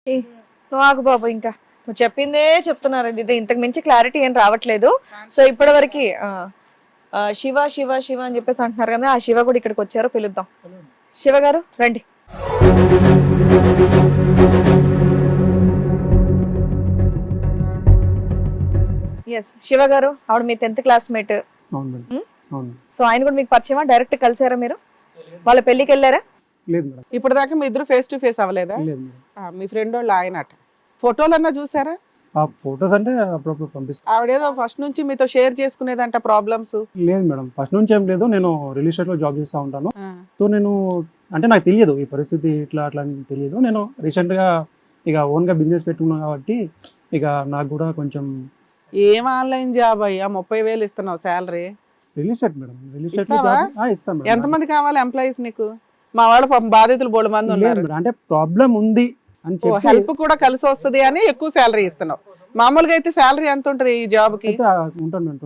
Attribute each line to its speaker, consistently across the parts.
Speaker 1: ఏ, నువ్వు ఆగు బాబు, ఇంకా నువ్వు చెప్పిందే చెప్తున్నారు, ఇది ఇంతకు మించి క్లారిటీ ఏం రావట్లేదు. సో ఇప్పటి వరకు శివ శివ శివ అని చెప్పేసి అంటున్నారు కదా, ఆ శివ కూడా ఇక్కడికి వచ్చారు, పిలుద్దాం. శివ గారు రండి. ఎస్, శివ గారు ఆవిడ మీ 10th క్లాస్మేట్.
Speaker 2: అవును మేడం. అవును.
Speaker 1: సో ఆయన కూడా మీకు పరిచయమా? డైరెక్ట్ కలిసారా మీరు? వాళ్ళ పెళ్లికి వెళ్ళారా?
Speaker 2: లేదు మేడం.
Speaker 3: ఇప్పుడు దాకా మీ ఇద్దరు ఫేస్ టు ఫేస్ అవ్వలేదా?
Speaker 2: లేదు మేడం.
Speaker 3: మీ ఫ్రెండ్ వాళ్ళు ఆయన అట ఫోటోలన్నా చూసారా?
Speaker 2: ఆ ఫొటోస్ అంటే అప్పుడప్పుడు పంపిస్తాను.
Speaker 3: ఆవిడేదో ఫస్ట్ నుంచి మీతో షేర్ చేసుకునేదంట ప్రాబ్లమ్స్.
Speaker 2: లేదు మేడం, ఫస్ట్ నుంచి ఏం లేదు. నేను రియల్ ఎస్టేట్ లో జాబ్ చేస్తూ ఉంటాను. సో నేను అంటే నాకు తెలియదు ఈ పరిస్థితి ఇట్లా అట్లా అని తెలియదు. నేను రీసెంట్ గా ఇక ఓన్ గా బిజినెస్ పెట్టుకున్నాను కాబట్టి ఇక నాకు కూడా కొంచెం.
Speaker 3: ఏం ఆన్లైన్ జాబ్ అయ్యా, 30,000 ఇస్తున్నావు salary?
Speaker 2: Real estate madam, real estate
Speaker 3: ఇస్తావా?
Speaker 2: ఇస్తాను మేడం.
Speaker 3: ఎంతమంది కావాలి ఎంప్లాయీస్ నీకు? మా వాళ్ళు పాపం బాధితులు బోడు మంది
Speaker 2: లేదు
Speaker 3: ఉన్నారు.
Speaker 2: మేడం, అంటే ప్రాబ్లం ఉంది అని చెప్పి
Speaker 3: హెల్ప్ కూడా కలిసి వస్తది అని ఎక్కువ శాలరీ ఇస్తున్నావు. మామూలుగా అయితే శాలరీ ఎంత ఉంటది ఈ జాబ్ కి?
Speaker 2: అయితే ఉంటాను మేడం,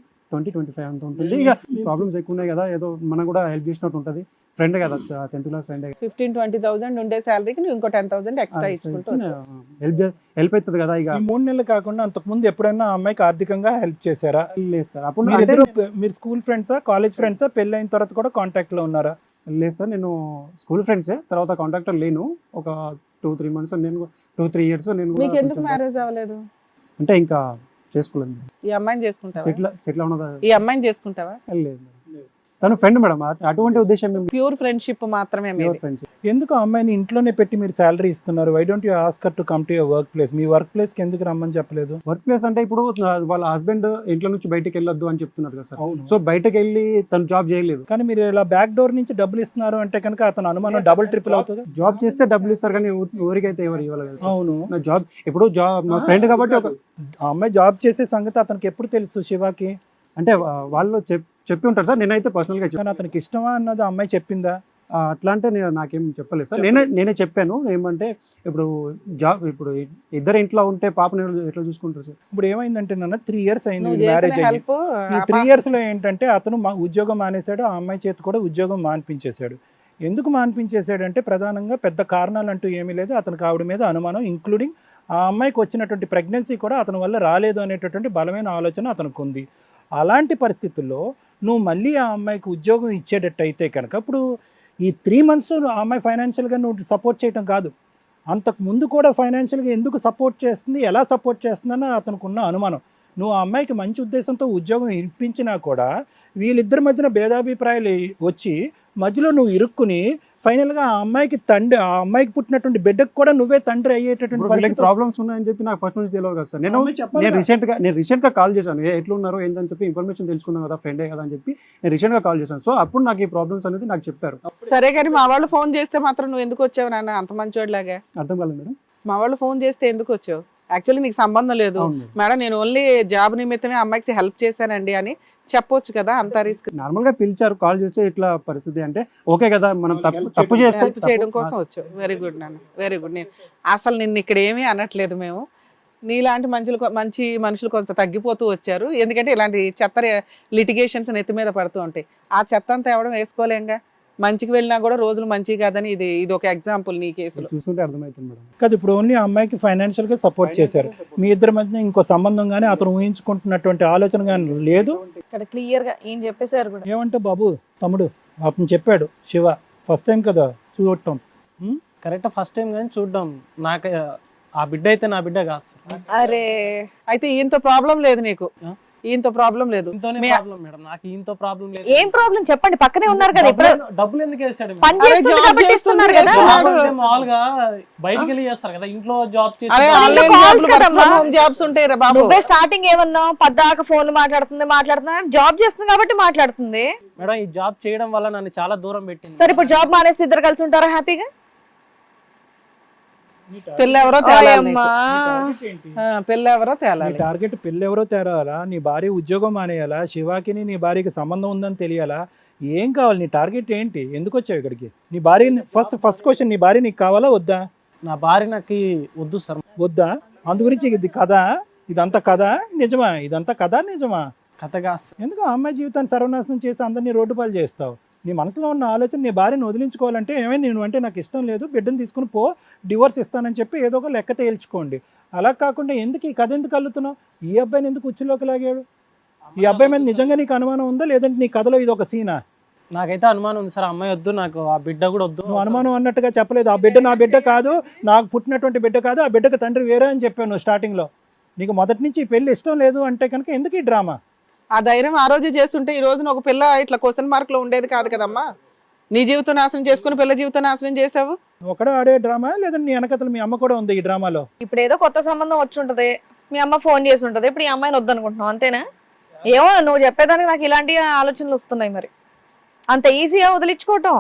Speaker 2: 25 అంత ఉంటుంది. ఇక ప్రాబ్లమ్స్ ఎక్కువ ఉన్నాయి కదా, ఏదో మనం కూడా హెల్ప్ చేసినట్టు ఉంటుంది. ఫ్రెండ్ కదా, 10th క్లాస్ ఫ్రెండ్.
Speaker 3: 15-20,000 ఉండే శాలరీకి నువ్వు ఇంకో 10,000 ఎక్స్ట్రా ఇచ్చుకుంటూ
Speaker 2: హెల్ప్ అవుతుంది కదా. ఇక
Speaker 4: ఈ 3 నెలలు కాకుండా అంతకు ముందు ఎప్పుడైనా ఆ అమ్మాయికి ఆర్థికంగా హెల్ప్ చేశారా?
Speaker 2: లేదు సార్, అప్పుడు
Speaker 4: మీరు స్కూల్ ఫ్రెండ్సా, కాలేజ్ ఫ్రెండ్సా? పెళ్లి అయిన తర్వాత కూడా కాంటాక్ట్ లో ఉన్నారా?
Speaker 2: లేదు సార్, నేను స్కూల్ ఫ్రెండ్సే, తర్వాత కాంటాక్టర్ లేను. ఒక 2-3 మంత్స్, నేను 2-3 ఇయర్స్ నేను కూడా
Speaker 3: నీకు ఎందుకు
Speaker 2: కొంచెం
Speaker 3: మ్యారేజ్ అవ్వలేదు?
Speaker 2: అంటే ఇంకా చేసుకోలేదు.
Speaker 3: ఈ అమ్మాయిని చేసుకుంటావా?
Speaker 2: సెటిల్ అవునదా?
Speaker 3: ఈ అమ్మాయిని చేసుకుంటావా?
Speaker 2: లేదు, తను ఫ్రెండ్ మేడం, అటువంటి ఉద్దేశం మేము
Speaker 3: ప్యూర్ ఫ్రెండ్షిప్ మాత్రమే మీది.
Speaker 2: ఫ్రెండ్స్.
Speaker 4: ఎందుకు ఆ అమ్మాయిని ఇంట్లోనే పెట్టి మీరు శాలరీ ఇస్తున్నారు? Why don't you ask her to come to your work place? మీ వర్క్ ప్లేస్ కి ఎందుకు రమ్మని చెప్పలేదు?
Speaker 2: వర్క్ ప్లేస్ అంటే ఇప్పుడు వాళ్ళ హస్బెండ్ ఇంట్లో నుంచి బయటకు వెళ్ళొద్దు అని చెప్తున్నారు కదా సార్.
Speaker 4: అవును.
Speaker 2: సో బయటకు వెళ్ళి తను జాబ్ చేయలేదు.
Speaker 4: కానీ మీరు ఇలా బ్యాక్ డోర్ నుంచి డబ్బులు ఇస్తున్నారు అంటే కనుక అతను అనుమానం డబుల్ ట్రిపుల్ అవుతుంది.
Speaker 2: జాబ్ చేస్తే డబ్బులు ఇస్తారు, కానీ ఊరికైతే ఎవరు ఇవ్వలేదు సార్.
Speaker 4: అవును.
Speaker 2: నా జాబ్ ఇప్పుడు మా ఫ్రెండ్ కాబట్టి ఒక
Speaker 4: ఆ అమ్మాయి జాబ్ చేసే సంగతి అతనికి ఎప్పుడు తెలుసు శివాకి?
Speaker 2: అంటే వాళ్ళు చెప్పి ఉంటారు సార్. నేనైతే పర్సనల్ గా
Speaker 4: కానీ అతనికి ఇష్టమా అన్నది ఆ అమ్మాయి చెప్పిందా?
Speaker 2: అట్లా అంటే నాకేం చెప్పలేదు సార్. నేనే చెప్పాను ఏమంటే, ఇప్పుడు ఇద్దరు ఇంట్లో ఉంటే పాపని ఎట్లా చూసుకుంటారు సార్?
Speaker 4: ఇప్పుడు ఏమైందంటే నాన్న 3 years అయింది
Speaker 3: నువ్వు
Speaker 4: మ్యారేజ్
Speaker 3: చేసిన
Speaker 4: అయ్యి.
Speaker 3: హెల్ప్
Speaker 4: ఈ 3 years లో ఏంటంటే అతను ఉద్యోగం మానేశాడు, ఆ అమ్మాయి చేతి కూడా ఉద్యోగం మాన్పించేశాడు. ఎందుకు మాన్పించేశాడు అంటే ప్రధానంగా పెద్ద కారణాలు అంటూ ఏమీ లేదు. అతనికి ఆవిడ మీద అనుమానం, ఇంక్లూడింగ్ ఆ అమ్మాయికి వచ్చినటువంటి ప్రెగ్నెన్సీ కూడా అతని వల్ల రాలేదు అనేటటువంటి బలమైన ఆలోచన అతనికి ఉంది. అలాంటి పరిస్థితుల్లో నువ్వు మళ్ళీ ఆ అమ్మాయికి ఉద్యోగం ఇచ్చేటట్టయితే కనుక ఇప్పుడు ఈ 3 months ఆ అమ్మాయి ఫైనాన్షియల్గా నువ్వు సపోర్ట్ చేయటం కాదు, అంతకు ముందు కూడా ఫైనాన్షియల్గా ఎందుకు సపోర్ట్ చేస్తుంది, ఎలా సపోర్ట్ చేస్తుందని అతనికి ఉన్న అనుమానం. నువ్వు ఆ అమ్మాయికి మంచి ఉద్దేశంతో ఉద్యోగం ఇప్పించినా కూడా వీళ్ళిద్దరి మధ్యన భేదాభిప్రాయాలు వచ్చి మధ్యలో నువ్వు ఇరుక్కుని ఫైనల్గా ఆ అమ్మాయికి అమ్మాయికి పుట్టినటువంటి బిడ్డకు కూడా నువ్వే తండ్రి అయ్యేటటువంటి
Speaker 2: ప్రాబ్లమ్స్ ఉన్నాయని చెప్పి నాకు ఫస్ట్ నుంచి తెలియదు కదా సార్. నేను రీసెంట్ గా కాల్ చేశాను, ఎట్లున్నారు ఏంటని చెప్పి ఇన్ఫర్మేషన్ తెలుసుకున్నాను కదా, ఫ్రెండే కదా అని చెప్పి నేను రీసెంట్ గా కాల్ చేశాను. సో అప్పుడు నాకు ఈ ప్రాబ్లమ్స్ అనేది నాకు చెప్పారు.
Speaker 3: సరే కానీ మా వాళ్ళు ఫోన్ చేస్తే మాత్రం నువ్వు ఎందుకు వచ్చావు నాన్న అంత మంచోడిలాగా?
Speaker 2: అర్థం కాలేదు మేడం.
Speaker 3: మా వాళ్ళు ఫోన్ చేస్తే ఎందుకు వచ్చావు? యాక్చువల్లీ నీకు సంబంధం లేదు మేడం, నేను ఓన్లీ జాబ్ నిమిత్తమే అమ్మాయికి హెల్ప్ చేశానండి అని చెప్పొచ్చు కదా, అంత రిస్క్.
Speaker 2: నార్మల్ గా పిలిచారు, కాల్ చేస్తే ఇట్లా పరిస్థితి అంటే ఓకే కదా, మనం తప్పు చేస్తే
Speaker 3: హెల్ప్ చేయడం కోసం వచ్చావు. వెరీ గుడ్ నాన్న, వెరీ గుడ్. నేను అసలు నిన్ను ఇక్కడ ఏమీ అనట్లేదు. మేము నీలాంటి మంచి మనుషులు కొంత తగ్గిపోతూ వచ్చారు. ఎందుకంటే ఇలాంటి చెత్త లిటిగేషన్స్ నెత్తి మీద పడుతూ ఉంటాయి. ఆ చెత్త అంతా ఎవడం వేసుకోలేంగా. మంచికి వెళ్ళినా కూడా రోజులు మంచి కాదని ఇది ఒక ఎగ్జాంపుల్ నీ కేసులో
Speaker 2: చూస్తుంటే అర్థమవుతుంది మేడం.
Speaker 4: కాదు, ఇప్పుడు ఓన్లీ ఆ అమ్మాయికి ఫైనాన్షియల్ గా సపోర్ట్ చేశారు. మీ ఇద్దరి మధ్య ఇంకో సంబంధం కానీ అతను ఊహించుకుంటున్నటువంటి ఆలోచన కానీ లేదు.
Speaker 1: ఇక్కడ క్లియర్ గా ఏం చెప్పేశారు కూడా.
Speaker 4: ఏమంటే బాబు తమ్ముడు అతను చెప్పాడు, శివ ఫస్ట్ టైం కదా చూడటం.
Speaker 5: కరెక్ట్, ఫస్ట్ టైం కానీ చూడడం. నాకు ఆ బిడ్డ అయితే నా బిడ్డ కాదు సార్.
Speaker 1: అరే
Speaker 3: అయితే ఈయంతో ప్రాబ్లం లేదు నీకు? ఈయంతో ప్రాబ్లం లేదు?
Speaker 5: ప్రాబ్లం మేడం, నాకు ఈయంతో ప్రాబ్లం లేదు.
Speaker 1: ఏం ప్రాబ్లం చెప్పండి, పక్కనే ఉన్నారు కదా. ఇప్పుడు
Speaker 5: డబ్బులు ఎందుకు వేసాడు?
Speaker 1: పని చేస్తుంది కాబట్టి ఇస్తున్నారు కదా.
Speaker 5: మామూలుగా బయటికి వెళ్ళి చేస్తారు కదా, ఇంట్లో జాబ్ చేసి.
Speaker 3: జాబ్స్ ఉంటాయి రా బాబు.
Speaker 1: నువ్వే స్టార్టింగ్ ఏమన్నావు, పద్దాక ఫోన్ మాట్లాడుతున్నా, జాబ్ చేస్తుంది కాబట్టి మాట్లాడుతుంది.
Speaker 5: మేడం ఈ జాబ్ చేయడం వల్ల నన్ను చాలా దూరం పెట్టింది.
Speaker 1: సరే ఇప్పుడు జాబ్ మానేసి ఇద్దరు కలిసి ఉంటారా హ్యాపీగా?
Speaker 3: పెళ్ళెవరో తేలాలి.
Speaker 4: టార్గెట్ పెళ్ళెవరో తేరాలా, నీ భార్య ఉద్యోగం మానేయాలా, శివాకి నీ భార్యకి సంబంధం ఉందని తెలియాలా? ఏం కావాలి? నీ టార్గెట్ ఏంటి? ఎందుకు వచ్చావు ఇక్కడికి? నీ భార్య ఫస్ట్ క్వశ్చన్, నీ భార్య నీకు కావాలా వద్దా?
Speaker 5: నా భార్య నాకు వద్దు సార్.
Speaker 4: వద్దా? అందు గురించి ఇది కథ, ఇదంతా కథ నిజమా? ఇదంతా కథ నిజమా?
Speaker 5: కథగా
Speaker 4: ఎందుకు ఆ అమ్మాయి జీవితాన్ని సర్వనాశనం చేసి అందరినీ రోడ్డు పాలు చేస్తావు? నీ మనసులో ఉన్న ఆలోచన నీ భార్యను వదిలించుకోవాలంటే ఏమైనా నేను అంటే నాకు ఇష్టం లేదు, బిడ్డను తీసుకుని పో, డివోర్స్ ఇస్తానని చెప్పి ఏదో ఒక లెక్క తేల్చుకోండి. అలా కాకుండా ఎందుకు ఈ కథ ఎందుకు అల్లుతున్నావు? ఈ అబ్బాయిని ఎందుకు ఉచ్చులోకి లాగాడు? ఈ అబ్బాయి మీద నిజంగా నీకు అనుమానం ఉందా, లేదంటే నీ కథలో ఇది ఒక సీనా?
Speaker 5: నాకైతే అనుమానం ఉంది సార్, అమ్మాయి వద్దు, నాకు ఆ బిడ్డ కూడా వద్దు.
Speaker 4: నువ్వు అనుమానం అన్నట్టుగా చెప్పలేదు. ఆ బిడ్డ నా బిడ్డ కాదు, నాకు పుట్టినటువంటి బిడ్డ కాదు, ఆ బిడ్డకు తండ్రి వేరే అని చెప్పాను స్టార్టింగ్లో. నీకు మొదటి నుంచి ఈ పెళ్లి ఇష్టం లేదు అంటే కనుక ఎందుకు ఈ డ్రామా?
Speaker 3: ఆ ధైర్యం ఆ రోజు చేస్తుంటే ఈ రోజున ఒక పిల్ల ఇట్లా క్వశ్చన్ మార్క్ లో ఉండేది కాదు కదమ్మా. నీ జీవితం నాశనం చేసుకుని పిల్ల జీవితం నాశనం చేసావు.
Speaker 4: ఒకడే ఆడే డ్రామా, లేదంటే నీ వెనకతలు మీ అమ్మ కూడా ఉంది ఈ డ్రామాలో?
Speaker 1: ఇప్పుడు ఏదో కొత్త సంబంధం వచ్చి ఉంటది, మీ అమ్మ ఫోన్ చేసి ఉంటది, ఇప్పుడు ఈ అమ్మాయిని వద్దనుకుంటున్నావు అంతేనా? ఏమో నువ్వు చెప్పేదానికి నాకు ఇలాంటి ఆలోచనలు వస్తున్నాయి. మరి అంత ఈజీగా వదిలించుకోవటం?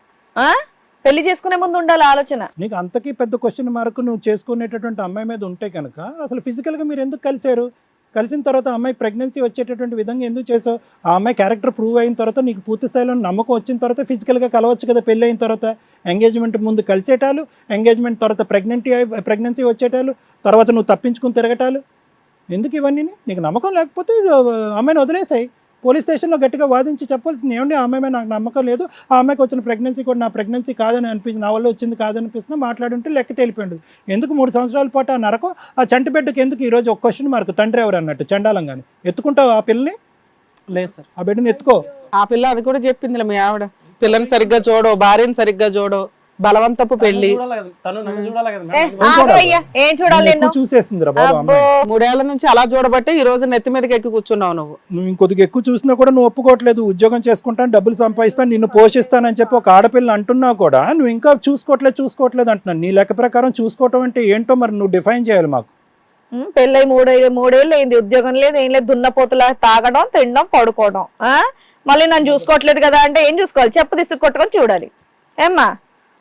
Speaker 1: పెళ్లి చేసుకునే ముందు ఉండాలి ఆలోచన.
Speaker 4: నీకు అంతకీ పెద్ద క్వశ్చన్ మార్క్ నువ్వు చేసుకునేటటువంటి అమ్మాయి మీద ఉంటే కనుక అసలు ఫిజికల్గా మీరు ఎందుకు కలిశారు? కలిసిన తర్వాత అమ్మాయి ప్రెగ్నెన్సీ వచ్చేటటువంటి విధంగా ఎందుకు చేసావు? ఆ అమ్మాయి క్యారెక్టర్ ప్రూవ్ అయిన తర్వాత నీకు పూర్తి స్థాయిలో నమ్మకం వచ్చిన తర్వాత ఫిజికల్గా కలవచ్చు కదా. పెళ్ళి అయిన తర్వాత ఎంగేజ్మెంట్ ముందు కలిసేటాలు, ఎంగేజ్మెంట్ తర్వాత ప్రెగ్నెన్సీ వచ్చేటాలు, తర్వాత నువ్వు తప్పించుకుని తిరగటాలు ఎందుకు ఇవన్నీ? నీకు నమ్మకం లేకపోతే అమ్మాయిని వదిలేసాయి. పోలీస్ స్టేషన్లో గట్టిగా వాదించి చెప్పాల్సింది, ఏమండి ఆ అమ్మాయి మీద నాకు నమ్మకం లేదు, ఆ అమ్మాయికి వచ్చిన ప్రెగ్నెన్సీ కూడా నా ప్రెగ్నెన్సీ కాదని అనిపించింది, నా వల్ల వచ్చింది కాదనిపిస్తున్నా మాట్లాడుంటే లెక్క తేలిపోయింది. ఎందుకు 3 సంవత్సరాల పాటు ఆ నరకం? ఆ చంటి బిడ్డకి ఎందుకు ఈరోజు ఒక క్వశ్చన్ మార్క్? తండ్రి ఎవరు అన్నట్టు చండాలంగానే ఎత్తుకుంటావు ఆ పిల్లని?
Speaker 5: లేదు సార్.
Speaker 4: ఆ బిడ్డని ఎత్తుకో.
Speaker 3: ఆ పిల్ల అది కూడా చెప్పిందిలే మీ ఆవిడ, పిల్లని సరిగ్గా చూడో, భార్యని సరిగ్గా చూడో, బలవంతపు పెళ్లి.
Speaker 5: తను నన్ను చూడాలి కదా
Speaker 1: ఏ,
Speaker 5: మేడం.
Speaker 1: ఆగు అయ్యా, ఏం చూడాలి
Speaker 4: నిన్ను ఎక్కువ చూసేసింది రా బాబు అమ్మాయి.
Speaker 3: 3 ఏళ్ల నుంచి అలా చూడబట్టే ఈ రోజు నెత్తి మీదకి ఎక్కి కూర్చున్నావు నువ్వు.
Speaker 4: నువ్వు ఇంకొద్దిగా ఎక్కువ చూసినా కూడా నువ్వు ఒప్పుకోవట్లేదు. ఉద్యోగం చేసుకుంటాను, డబ్బులు సంపాదిస్తాను, నిన్ను పోషిస్తానని చెప్పి ఒక ఆడపిల్లని అంటున్నా కూడా నువ్వు ఇంకా చూసుకోవట్లేదు అంటున్నాను. నీ లెక్క ప్రకారం చూసుకోవటం అంటే ఏంటో మరి నువ్వు డిఫైన్ చేయాలి మాకు.
Speaker 1: పెళ్ళై 3 ఏళ్ళు అయింది, ఉద్యోగం లేదు, ఏం లేదు, దున్నపోతులా తాగడం, తినడం, పడుకోవడం. మళ్ళీ నన్ను చూసుకోవట్లేదు కదా అంటే ఏం చూసుకోవాలి? చెప్పు తీసుకు కొట్టుకొని చూడాలి. ఏమ్మా,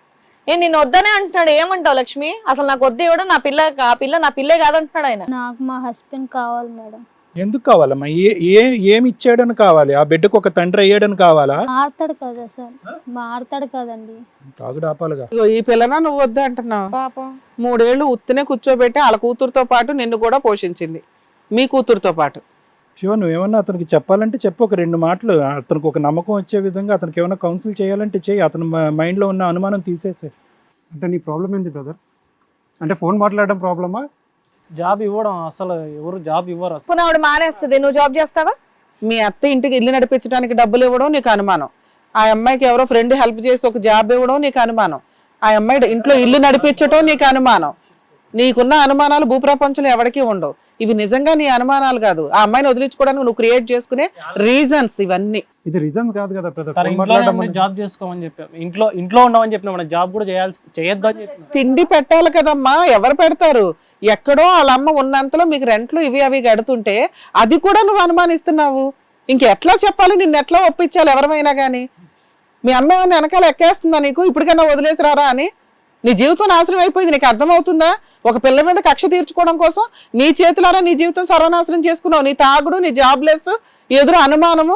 Speaker 1: నిన్ను వద్దనే అంటున్నాడు, ఏమంటావు లక్ష్మి? అసలు నాకు వద్దు ఇవ్వడం, నా పిల్ల ఆ పిల్ల నా పిల్లే కాదంటున్నాడు ఆయన.
Speaker 6: నాకు మా హస్బెండ్ కావాలి మేడం.
Speaker 4: ఎందుకు కావాలమ్మా? ఏమి ఇచ్చాడని కావాలి? ఆ బిడ్డకు ఒక తండ్రి అయ్యాడని కావాలా?
Speaker 6: మారుతాడు కదా సార్, మారుతాడు కదండి.
Speaker 4: తాగుడు ఆపాలిగా.
Speaker 3: ఇగో ఈ పిల్లన నువ్వు వద్దు అంటున్నావు.
Speaker 1: పాపం
Speaker 3: 3 ఏళ్ళు ఉత్తినే కూర్చోబెట్టి వాళ్ళ కూతురుతో పాటు నిన్ను కూడా పోషించింది, మీ కూతురుతో పాటు.
Speaker 4: శివ, నువ్వేమన్నా అతనికి చెప్పాలంటే చెప్పు, ఒక 2 మాటలు. అతనికి ఒక నమ్మకం వచ్చే విధంగా అతనికి ఏమైనా కౌన్సిల్ చేయాలంటే చేయి. అతని మైండ్లో ఉన్న అనుమానం తీసేసే.
Speaker 2: అంటే నీ ప్రాబ్లం ఏంటి బ్రదర్? అంటే ఫోన్ మాట్లాడడం ప్రాబ్లమా?
Speaker 5: జాబ్ ఇవ్వడం, అసలు ఎవరు జాబ్ ఇవ్వరు అసలు.
Speaker 1: పోనీ ఆవిడ మానేస్తుంది, నువ్వు జాబ్ చేస్తావా?
Speaker 3: మీ అత్త ఇంటికి ఇల్లు నడిపించడానికి డబ్బులు ఇవ్వడం నీకు అనుమానం, ఆ అమ్మాయికి ఎవరో ఫ్రెండ్ హెల్ప్ చేసి ఒక జాబ్ ఇవ్వడం నీకు అనుమానం, ఆ అమ్మాయి ఇంట్లో ఇల్లు నడిపించడం నీకు అనుమానం. నీకున్న అనుమానాలు భూప్రపంచంలో ఎవరికీ ఉండవు. ఇవి నిజంగా నీ అనుమానాలు కాదు, ఆ అమ్మాయిని వదిలించుకోవడానికి నువ్వు క్రియేట్ చేసుకునే రీజన్స్ ఇవన్నీ.
Speaker 2: ఇది రీజన్స్ కాదు కదా బ్రదర్.
Speaker 5: తన
Speaker 2: ఫోన్
Speaker 5: ఇంట్లోనే
Speaker 2: మాట్లాడడం
Speaker 5: ఉండి జాబ్ చేసుకోమని చెప్పాం, ఇంట్లో ఉండమని చెప్పినా మనం జాబ్ కూడా చేయొద్దు అని చెప్పిన.
Speaker 3: తిండి పెట్టాలి కదమ్మా, ఎవరు పెడతారు? ఎక్కడో వాళ్ళ అమ్మ ఉన్నంతలో మీకు రెంట్లు ఇవి అవి కడుతుంటే అది కూడా నువ్వు అనుమానిస్తున్నావు. ఇంకెట్లా చెప్పాలి, నిన్ను ఎట్లా ఒప్పించాలి ఎవరమైనా కానీ? మీ అమ్మ వెనకాల ఎక్కేస్తుందా నీకు? ఇప్పటికైనా వదిలేసి రారా అని? నీ జీవితం నాశనం అయిపోయింది, నీకు అర్థమవుతుందా? ఒక పిల్ల మీద కక్ష తీర్చుకోవడం కోసం నీ చేతులారా నీ జీవితం సర్వనాశనం చేసుకున్నావు. నీ తాగుడు, నీ జాబ్లెస్, ఎదురు అనుమానము,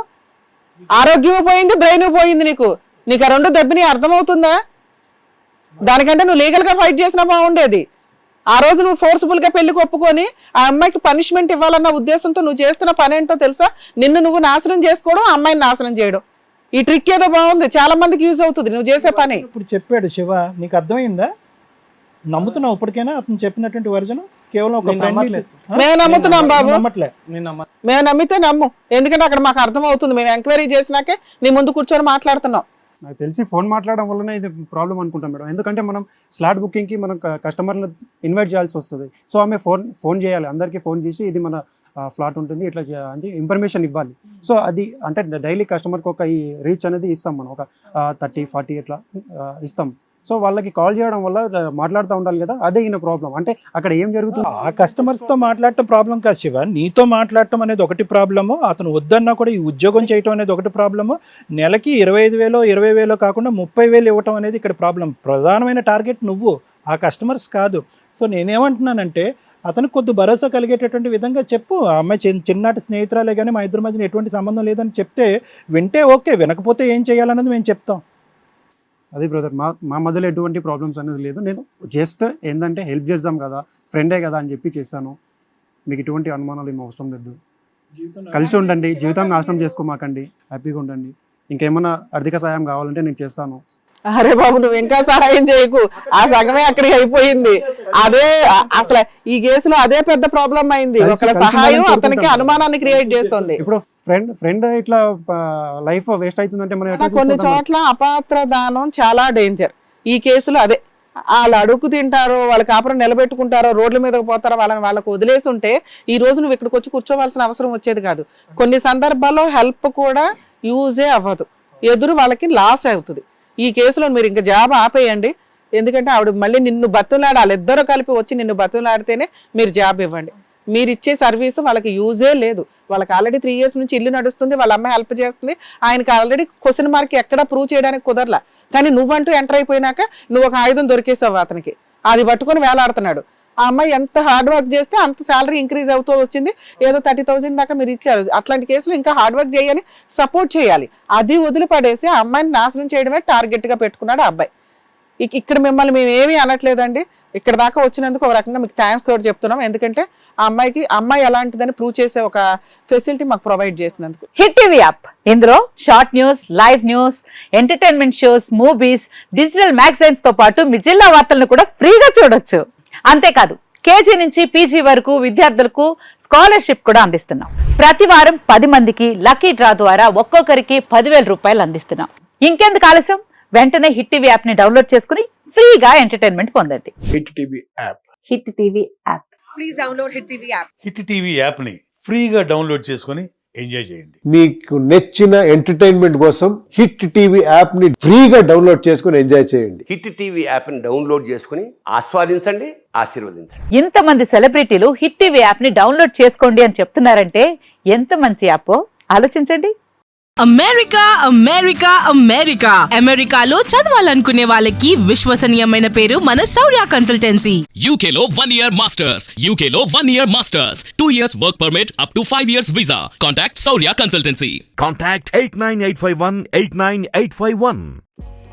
Speaker 3: ఆరోగ్యం పోయింది, బ్రెయిన్ పోయింది. నీకు ఆ 2 దెబ్బని అర్థమవుతుందా? దానికంటే నువ్వు లీగల్ గా ఫైట్ చేసినా బాగుండేది. ఆ రోజు నువ్వు ఫోర్స్ఫుల్ గా పెళ్లికి ఒప్పుకొని ఆ అమ్మాయికి పనిష్మెంట్ ఇవ్వాలన్న ఉద్దేశంతో నువ్వు చేస్తున్న పని ఏంటో తెలుసా? నిన్ను నువ్వు నాశనం చేసుకోవడం, అమ్మాయిని నాశనం చేయడం. ఈ ట్రిక్ ఏదో బాగుంది, చాలా మందికి యూజ్ అవుతుంది నువ్వు చేసే పని.
Speaker 4: ఇప్పుడు చెప్పాడు శివ, నీకు అర్థమైందా? నమ్ముతున్నావు ఇప్పటికైనా అతను చెప్పినటువంటి వర్జన్? కేవలం ఒక
Speaker 5: నేను నమ్మట్లేదు.
Speaker 3: మేము నమ్ముతున్నాం బాబు,
Speaker 4: నమ్మట్లే.
Speaker 3: మేము నమ్మితే నమ్ము, ఎందుకంటే అక్కడ మాకు అర్థం అవుతుంది. మేము ఎంక్వైరీ చేసినాకే నీ ముందు కూర్చొని మాట్లాడుతున్నాం.
Speaker 2: నాకు తెలిసి ఫోన్ మాట్లాడడం వల్లనే ఇది ప్రాబ్లం అనుకుంటాం మేడం. ఎందుకంటే మనం స్లాట్ బుకింగ్కి మనం కస్టమర్ని ఇన్వైట్ చేయాల్సి వస్తుంది. సో ఆమె ఫోన్ చేయాలి, అందరికీ ఫోన్ చేసి ఇది మన ఫ్లాట్ ఉంటుంది ఇట్లా అంటే ఇన్ఫర్మేషన్ ఇవ్వాలి. సో అది అంటే డైలీ కస్టమర్కి ఒక ఈ రీచ్ అనేది ఇస్తాం మనం, ఒక 30-40 ఇట్లా ఇస్తాం. సో వాళ్ళకి కాల్ చేయడం వల్ల మాట్లాడుతూ ఉండాలి కదా, అదే ఈయన ప్రాబ్లం. అంటే అక్కడ ఏం జరుగుతుంది?
Speaker 4: ఆ కస్టమర్స్ తో మాట్లాడటం ప్రాబ్లం కాదు శివ, నీతో మాట్లాడటం అనేది ఒకటి ప్రాబ్లము. అతను వద్దన్నా కూడా ఈ ఉద్యోగం చేయటం అనేది ఒకటి ప్రాబ్లము. నెలకి 25,000 20,000 కాకుండా 30,000 ఇవ్వటం అనేది ఇక్కడ ప్రాబ్లం. ప్రధానమైన టార్గెట్ నువ్వు, ఆ కస్టమర్స్ కాదు. సో నేనేమంటున్నానంటే అతనికి కొద్ది భరోసా కలిగేటటువంటి విధంగా చెప్పు. ఆ అమ్మాయి చిన్నటి స్నేహితురాలే కానీ మా ఇద్దరి మధ్యన ఎటువంటి సంబంధం లేదని చెప్తే వింటే ఓకే, వినకపోతే ఏం చేయాలన్నది మేము చెప్తాం.
Speaker 2: అదే బ్రదర్, మా మధ్యలో ఎటువంటి ప్రాబ్లమ్స్ అనేది లేదు. నేను జస్ట్ ఏంటంటే హెల్ప్ చేద్దాం కదా, ఫ్రెండే కదా అని చెప్పి చేశాను. మీకు ఎటువంటి అనుమానాలు ఏమో అవసరం లేదు. కలిసి ఉండండి, జీవితం నాశనం చేసుకోమాకండి, హ్యాపీగా ఉండండి. ఇంకేమన్నా ఆర్థిక సాయం కావాలంటే నేను చేస్తాను.
Speaker 3: అరే బాబు నువ్వు ఇంకా సహాయం చేయకు, ఆ సగమే అక్కడికి అయిపోయింది. అదే అసలు ఈ కేసులో అదే పెద్ద ప్రాబ్లం అయింది. ఒకళ్ళ సహాయం అతనికి అనుమానాన్ని క్రియేట్ చేస్తుంది.
Speaker 2: ఇప్పుడు ఫ్రెండ్ ఇట్లా లైఫ్ వేస్ట్ అవుతుందంటే మనం ఎట్లా
Speaker 3: కొన్ని
Speaker 2: చూసుకుంటాం?
Speaker 3: చోట్ల అపాత్ర దానం చాలా డేంజర్. ఈ కేసులో అదే వాళ్ళు అడుగు తింటారో, వాళ్ళ కాపురం నిలబెట్టుకుంటారో, రోడ్ల మీదకి పోతారో, వాళ్ళకు వదిలేసి ఉంటే ఈ రోజు నువ్వు ఇక్కడికి వచ్చి కూర్చోవలసిన అవసరం వచ్చేది కాదు. కొన్ని సందర్భాల్లో హెల్ప్ కూడా యూజే అవ్వదు, ఎదురు వాళ్ళకి లాస్ అవుతుంది. ఈ కేసులో మీరు ఇంకా జాబ్ ఆపేయండి, ఎందుకంటే ఆవిడ మళ్ళీ నిన్ను బతులాడి వాళ్ళిద్దరూ కలిపి వచ్చి నిన్ను బతులాడితేనే మీరు జాబ్ ఇవ్వండి. మీరు ఇచ్చే సర్వీస్ వాళ్ళకి యూజే లేదు. వాళ్ళకి ఆల్రెడీ 3 years నుంచి ఇల్లు నడుస్తుంది, వాళ్ళ అమ్మాయి హెల్ప్ చేస్తుంది, ఆయనకి ఆల్రెడీ క్వశ్చన్ మార్క్ ఎక్కడా ప్రూవ్ చేయడానికి కుదరలా. కానీ నువ్వంటూ ఎంటర్ అయిపోయినాక నువ్వు ఒక ఆయుధం దొరికేసావు అతనికి, అది పట్టుకొని వేలాడుతున్నాడు. ఆ అమ్మాయి ఎంత హార్డ్ వర్క్ చేస్తే అంత శాలరీ ఇంక్రీజ్ అవుతూ వచ్చింది. ఏదో 30,000 దాకా మీరు ఇచ్చారు. అట్లాంటి కేసులు ఇంకా హార్డ్ వర్క్ చేయని సపోర్ట్ చేయాలి. అది వదిలిపడేసి ఆ అమ్మాయిని నాశనం చేయడమే టార్గెట్ గా పెట్టుకున్నాడు ఆ అబ్బాయి. ఇక్కడ మిమ్మల్ని మేము ఏమీ అనట్లేదండి, ఇక్కడ దాకా వచ్చినందుకు ఒక రకంగా మీకు థ్యాంక్స్ కూడా చెప్తున్నాం. ఎందుకంటే ఆ అమ్మాయి ఎలాంటిదని ప్రూవ్ చేసే ఒక ఫెసిలిటీ మాకు ప్రొవైడ్ చేసినందుకు.
Speaker 7: హిట్ టీవీ యాప్ ఇందులో short news, live news, entertainment shows, movies, digital magazines తో పాటు మీ జిల్లా వార్తలను కూడా ఫ్రీగా చూడొచ్చు. అంతేకాదు కేజీ నుంచి పీజీ వరకు విద్యార్థులకు స్కాలర్షిప్ కూడా అందిస్తున్నాం. ప్రతి వారం 10 మందికి లక్కీ డ్రా ద్వారా ఒక్కొక్కరికి 10,000 రూపాయలు అందిస్తున్నాం. ఇంకెందుకు ఆలస్యం, వెంటనే హిట్ టీవీ యాప్ ని డౌన్లోడ్ చేసుకుని ఫ్రీగా ఎంటర్టైన్మెంట్ పొందండి.
Speaker 8: Hit TV app.
Speaker 7: Hit TV app.
Speaker 1: Please download Hit TV app.
Speaker 8: Hit TV యాప్ని ఫ్రీగా డౌన్లోడ్ చేసుకొని ఎంజాయ్ చేయండి.
Speaker 9: మీకు నచ్చిన ఎంటర్టైన్మెంట్ కోసం హిట్ టీవీ యాప్ ని ఫ్రీగా డౌన్లోడ్ చేసుకుని ఎంజాయ్ చేయండి.
Speaker 10: హిట్ టీవీ యాప్ని డౌన్లోడ్ చేసుకుని ఆస్వాదించండి, ఆశీర్వదించండి.
Speaker 7: ఇంతమంది సెలబ్రిటీలు హిట్ టీవీ యాప్ ని డౌన్లోడ్ చేసుకోండి అని చెప్తున్నారంటే ఎంత మంచి యాప్ ఆలోచించండి.
Speaker 11: అమెరికా అమెరికా అమెరికా అమెరికాలో చదవాలనుకునే వాళ్ళకి విశ్వసనీయమైన పేరు మన శౌర్య కన్సల్టెన్సీ.
Speaker 12: UK లో 1 year masters, UK లో 1 year masters, 2 years work permit up to 5 years visa. Contact Saurya Consultancy.
Speaker 13: Contact 89851 89851.